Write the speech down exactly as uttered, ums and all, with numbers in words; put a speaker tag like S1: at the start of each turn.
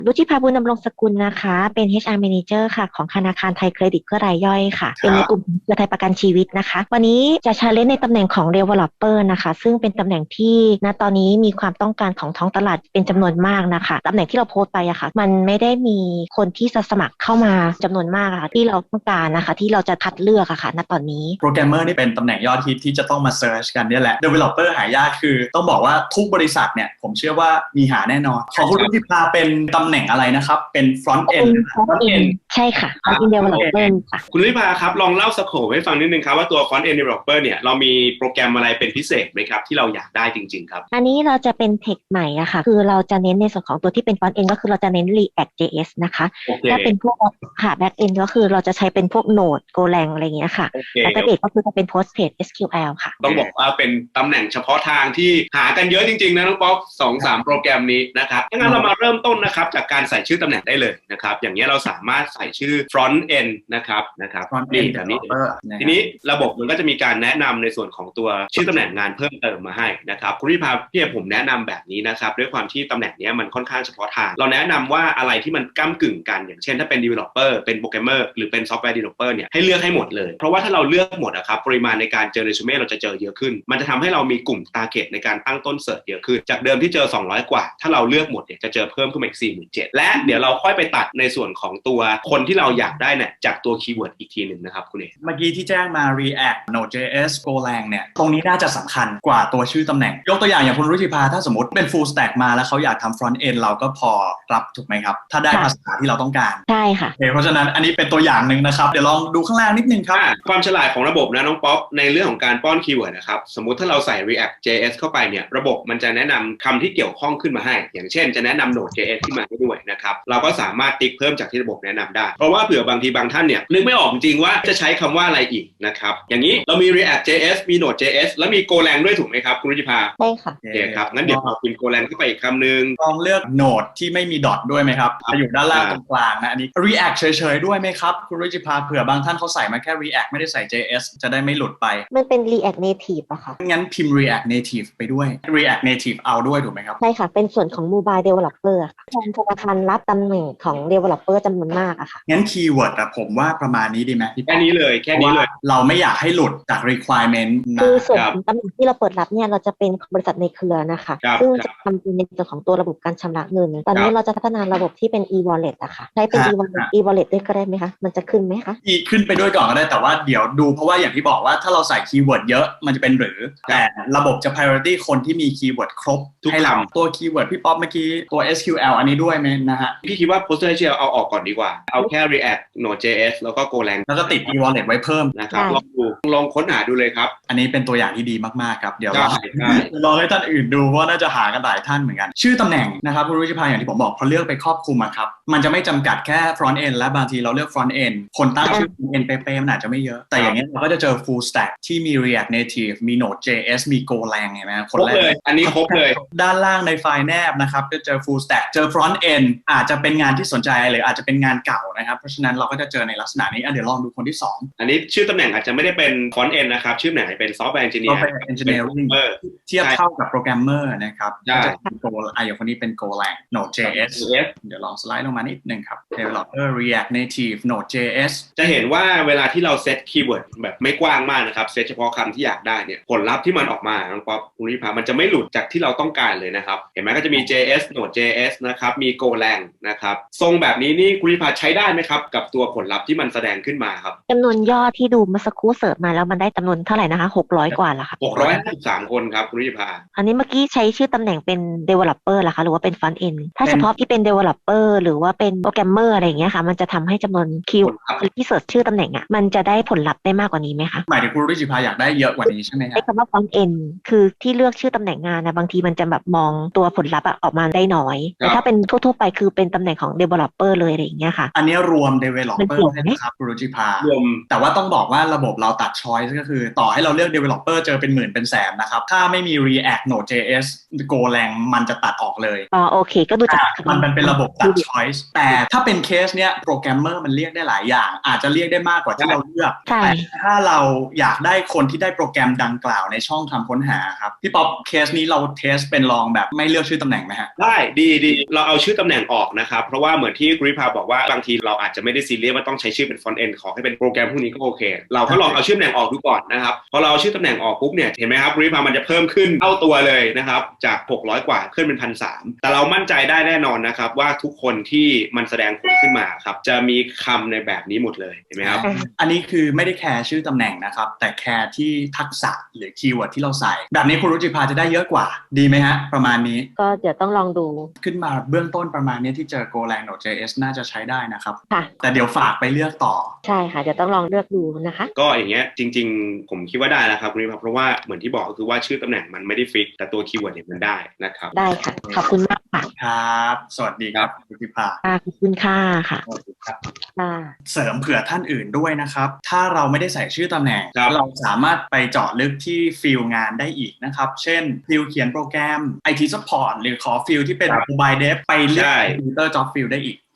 S1: รุจิภาบุญดำรงสกุลนะคะเป็น เอช อาร์ Manager ค่ะของธนาคารไทยเครดิตเพื่อรายย่อยค่ะเป็นในกลุ่มเครือไทยประกันชีวิตนะคะวันนี้จะชาเลนจ์ในตำแหน่งของ Developer นะคะซึ่งเป็นตำแหน่งที่ณตอนนี้มีความต้องการของท้องตลาดเป็นจำนวนมากนะคะตำแหน่งที่เราโพสต์ไปอะค่ะมันไม่ได้มีคนที่จะสมัครเข้ามาจำนวนมากอะค่ะที่เราต้องการนะคะที่เราจะคัดเลือกอะค่ะณตอนนี้
S2: โปรแกรมเมอร์นี่เป็นตำแหน่งยอดฮิตที่จะต้องมาเซิร์ชกันเนี่ยแหละ Developer หายากคือต้องบอกว่าทุกบริษัทเนี่ยผมเชื่อว่ามีหาแน่นอนของคุณรุจิภาเป็นตำแหน่งอะไรนะครับเป็น front
S1: เป็น
S2: end
S1: Front End ใช่ค่ะ Front End Developer ค่ะ
S3: คุณรุจิภาครับลองเล่าสโคปให้ฟังนิดนึงครับว่าตัว front end developer เนี่ยเรามีโปรแกรมอะไรเป็นพิเศษไหมครับที่เราอยากได้จริงๆครับ
S1: อันนี้เราจะเป็นเทคใหม่อะค่ะคือเราจะเน้นในส่วนของตัวที่เป็น Front End ก็คือเราจะเน้น React เจ เอส นะคะถ้าเป็นพวกค่ะ Back End ก็คือเราจะใช้เป็นพวก Node Golang อะไรอย่างเงี้ยค่ะ Database ก็คือจะเป็น Postgres เอส คิว แอล ค่ะ
S3: ต้องบอกว่าเป็นตำแหน่งเฉพาะทางที่หากันเยอะจริงๆนะน้องป๊อกสองสามโปรแกรมนี้นะครับงั้นเรามาเริ่มต้นนะครับจากการใส่ชื่อตำแหน่งได้เลยนะครับอย่างนี้เราสามารถใส่ชื่อ front end นะครับนะครับนี่แบบนี้ทีนี้ระบบมันก็จะมีการแนะนำในส่วนของตัวชื่อตำแหน่งงานเพิ่มเติมมาให้นะครับคุณรุจิภาพี่ผมแนะนำแบบนี้นะครับด้วยความที่ตำแหน่งนี้มันค่อนข้างเฉพาะทางเราแนะนำว่าอะไรที่มันก้ากึ่งกันอย่างเช่นถ้าเป็น developer เป็น programmer หรือเป็น software developer เนี่ยให้เลือกให้หมดเลยเพราะว่าถ้าเราเลือกหมดนะครับปริมาณในการเจอเรซูเม่เราจะเจอเยอะขึ้นมันจะทำให้เรามีกลุ่ม target ในการตั้งต้นเสิร์ชเยอะขึ้นจากเดิมที่เจอสองร้อยกว่าถ้าเราเลือกหมดเนี่ยจะเจอเพิ่มขึ้นมาอีก สี่หมื่นเจ็ดพัน และเดี๋ยวเราค่อยไปตัดในส่วนของตัวคนที่เราอยากได้เนี่ยจากตัวคีย์เวิร์ดอีกทีหนึ่งนะครับคุณเอก
S2: เมื่อกี้ที่แจ้งมา React Node.js Golang เนี่ยตรงนี้น่าจะสำคัญกว่าตัวชื่อตำแหน่งยกตัวอย่างอย่างคุณรุจิภาถ้าสมมติเป็น full stack มาแล้วเขาอยากทำ front end เราก็พอรับถูกไหมครับถ้าได้ภาษาที่เราต้องการ
S1: ใช่ค่ะ
S2: เพราะฉะนั้นอันนี้เป็นตัวอย่างหนึ่งนะครับเดี๋ยวลองดูข้างล่างนิดนึงครับ
S3: ความฉลาดของระบบนะน้องป๊อกในเรื่องของการป้อนคีย์เวิร์ดนะครับสมมุติถ้าเราใส่ React เจ เอส เข้าไปเนี่ยระบบมันจะแนะนำคำที่เกี่ยวข้องขึ้นมาให้อย่างเช่นจะแนะนำ Node.js ขึ้นมาให้ด้วยนะครับเราก็สามารถติ๊กเพิ่มจากที่ระบบแนะนำได้เพราะว่าเผื่อบางทีบางท่านเนี่ยนึกไม่ออกจริงว่าจะใช้คำว่าอะไรอีกนะครับอย่างนี้เรามี React เจ เอส มี Node.js แล้วมี Golang ด้วยถูกไหมครับคุณรุจิภา
S1: ใช่ค่ะ
S3: โอเคครับงั้นเดี๋ยวเราพิมพ์ Golang เข้าไปอีกคำหนึ่ง
S2: ลองเลือก Node ที่ไม่มีดอทด้วยไหมครับจะอยู่ด้านล่างตรงกลางนะอันนี้ React เฉยๆด้วยไหมครับคุณรุจิภาเผื่อบางท่านเขาใส่มาแค่ React ไม่ได้ใส่ เจ เอส จะได้ไม่หลุดไป
S1: มันเป็น React Native อะค่ะ
S2: งั้นพิมพ์ React Native ไปด้วย React Native เอาด้วยถูกไหมครับ
S1: ใช่ค่ะเป็นส่วนของ Mobile Developer ค่ะทางธนาคารรับตำแหน่งของ Developer จำนวนมากอะค่ะ
S2: งั้นคีย์เวิร์ดอะผมว่าประมาณนี้ดีไหม
S3: แค่นี้เลยแค่นี้เลย
S2: เราไม่อยากให้หลุดจาก requirement นะ
S1: คือส่วนตำแหน่งที่เราเปิดรับเนี่ยเราจะเป็นบริษัทในเครือนะคะซึ่งจะทำเป็นในส่วนของตัวระบบการชำระเงินตอนนี้เราจะพัฒนาระบบที่เป็น e-wallet อะค่ะใช้เป็น e-wallet e-wallet ด้วยก็ได้ไหมคะมันจะขึ้นไหมคะ
S2: อีขึ้นไปด้วยก่อนก็ได้แต่ว่าเดี๋ยวดูเพราะว่าอย่างที่บอกว่าถ้าเราใส่คีย์เวิร์ดเยอะมันจะเป็นหรือแต่ระบบจะ priority คนที่มีคีย์เวิร์ดครบให้เราตัวคีย์เวิร์ดพี่ป๊อปเมื่อกี้ตัว เอส คิว แอล อันนี้ด้วยไหมนะฮะ
S3: พี่คิดว่า PostgreSQL เอาออกก่อนดีกว่าเอาแค่ React Node.js แล้วก็ Golang
S2: แล้วก็ติด e-wallet ไว้เพิ่ม
S3: นะครับลองดูลองค้นหาดูเลยครับ
S2: อันนี้เป็นตัวอย่างที่ดีมากๆครับเดี๋ยวลองลองให้ท่านอื่นดูเพราะน่าจะหากันหลายท่านเหมือนกันชื่อตำแหน่งนะครับคุณรุจิภาอย่างที่ผมบอกพอเลือกไปครอบคลุมอะครับมันจะไม่จำกัดแค่ front end และบางทีเราเลือก front end คนตั้งชื่อ front end เป๊ะๆมันอาจจะไม่เยอะแต่อย่างนี้เราก็จะเจอ full stack ที่มี React Native มี Node.js มี Golang เห็นไหมคนแรก
S3: เลยอันนี้ครบเลย
S2: ด้านล่างในไฟล์แนบนะครับก็เจอ full stack เจอ front end อาจจะเป็นงานที่สนใจหรืออาจจะเป็นงานเก่านะครับเพราะฉะนั้นเราก็จะเจอในลักษณะนี้เดี๋ยวลองดูคนที่สอง
S3: อันนี้ชื่อตำแหน่งอาจจะไม่ได้เป็น front end นะครับชื่อไหนเป็น software engineer
S2: software engineering เทียบเท่ากับ programmer นะครับก็จะเป็น Go อ่ะอย่างคนนี้เป็น Golang Node.js เดี๋ยวลองสไลด์ลงมานิดนึงครับ developer React Native Node.js
S3: จะเห็นว่าเวลาที่เราเซตคีย์เวิร์ดแบบไม่กว้างมากนะครับเซตเฉพาะคำที่อยากได้เนี่ยผลลัพธ์ที่มันออกมาน้องป๊อปคุณริพามันจะไม่หลุดจากที่เราต้องการเลยนะครับเห็นไหมก็จะมี เจ เอส Node.js นะครับมี Golang นะครับทรงแบบนี้นี่คุณริพาใช้ได้ไหมครับกับตัวผลลัพธ์ที่มันแสดงขึ้นมาครับ
S1: จำนวนยอดที่ดูเมื่อสักครู่เสิร์ชมาแล้วมันได้จำนวนเท่าไหร่นะคะหกร้อยกว่าละค่ะ
S3: หกร้อยห้าสิบสามคนครับคุณริพา
S1: อันนี้เมื่อกี้ใช้ชื่อตำแหน่งเป็น developer ล่ะคะหรือว่าเป็น front end ถ้าเฉพาะที่เป็น developer หรือว่าเป็น programmer อะไรอย่างเงี้ยค่ะมันจะทำให้จำนวนคิวที่เสิร์ชชื่อตำแหน่งอ่ะมันจะได้ผลลัพธ์ได้มากกว่านี้ไหมคะ
S2: หมายถึงคุณริจิภาอยากได้เยอะกว่านี้ใช่ไหมครับ
S1: ใช้คำว่า front end คือที่เลือกชื่อตำแหน่งงานนะบางทีมันจะแบบมองตัวผลลัพธ์ออกมาได้น้อยแต่ถ้าเป็นทั่วๆไปคือเป็นตำแหน่งของ developer เลยอะไรอย่างเงี้ยค่ะ
S2: อันนี้รวม developer นะครับคุณริจิภารวมแต่ว่าต้องบอกว่าระบบเราตัด choice ก็คือต่อให้เราเลือก developer เจอเป็นหมื่นเป็นแสนนะครับถ้าไม่มี React Node.js Golang มันจะตัดออกเลย
S1: อ๋อโอเคก็ดูจาก
S2: มันเป็นระบบตัด choice แต่ถ้าเป็นเคสเนี้ยโปรแกรมเมอร์มันเรียกได้หลายอย่างอาจจะเรียกได้มากกว่าที่เราเลือกแต่ถ้าเราอยากได้คนที่ได้โปรแกรมดังกล่าวในช่องคำค้นหาครับพี่ป๊อปเคสนี้เราเทสเป็นลองแบบไม่เลือกชื่อตำแหน่งไหมฮะ
S3: ได้ดีดีเราเอาชื่อชื่อตำแหน่งออกนะครับเพราะว่าเหมือนที่กริพาบอกว่าบางทีเราอาจจะไม่ได้ซีเรียสว่าต้องใช้ชื่อเป็น front end ขอให้เป็นโปรแกรมพวกนี้ก็โอเคเราก็ลองเอาชื่อตำแหน่งออกดูก่อนนะครับพอเราเอาชื่อตำแหน่งออกปุ๊บเนี่ยเห็นไหมครับกริพามันจะเพิ่มขึ้นเท่าตัวเลยนะครับจากหกร้อยกว่าขึ้นเป็น หนึ่งพันสามร้อย แต่เรามั่นใจได้แน่นอนนะครับว่าทุกคนที่มันแสดงผลขึ้นมาครับจะมีคำในแบบนี้หมดเลยเห็นไหมครับ
S2: อันนี้คือไม่ได้แคร์ชื่อตำแหน่งนะครับแต่แคร์ที่ทักษะหรือคีย์เวิร์ดที่เราใส่แบบนี้คุณรุจิภาจะได้เยอะกว่าดีไหมฮะประมาณนี้
S1: ก็เดี๋ยวต้องลองดู
S2: ขึ้นมาเบื้องต้นประมาณนี้ที่เจอ Golang Node.js น่าจะใช้ได้นะครับ
S1: ค่ะ
S2: แต่เดี๋ยวฝากไปเลือกต่อ
S1: ใช่ค่ะจะต้องลองเลือกดูนะคะ
S3: ก็อย่างเงี้ยจริงๆผมคิดว่าได้แล้วครับคุณนิพาเพราะว่าเหมือนที่บอกก็คือว่าชื่อตำแหน่งมันไม่ได้ฟิกแต่ตัวคีย์เวิร์ดเนี่ยมันได้นะครับ
S1: ได้ค่ะขอบคุณมากค่ะ
S2: ครับสวัสดีครับรุจิภา
S1: ขอบคุณค่ะค่ะ
S2: สวัสดีครับ
S1: ค่ะ
S2: เสริมเผื่อท่านอื่นด้วยนะครับถ้าเราไม่ได้ใส่ชื่อตำแหน่งเราสามารถไปเจาะลึกที่ฟิลงานได้อีกนะครับเช่นฟิลเขียนโปรแกรม ไอ ที Support หรือขอฟิลที่เป็น Mobile Dev ไปเลือก Computer Job Field ได้อีก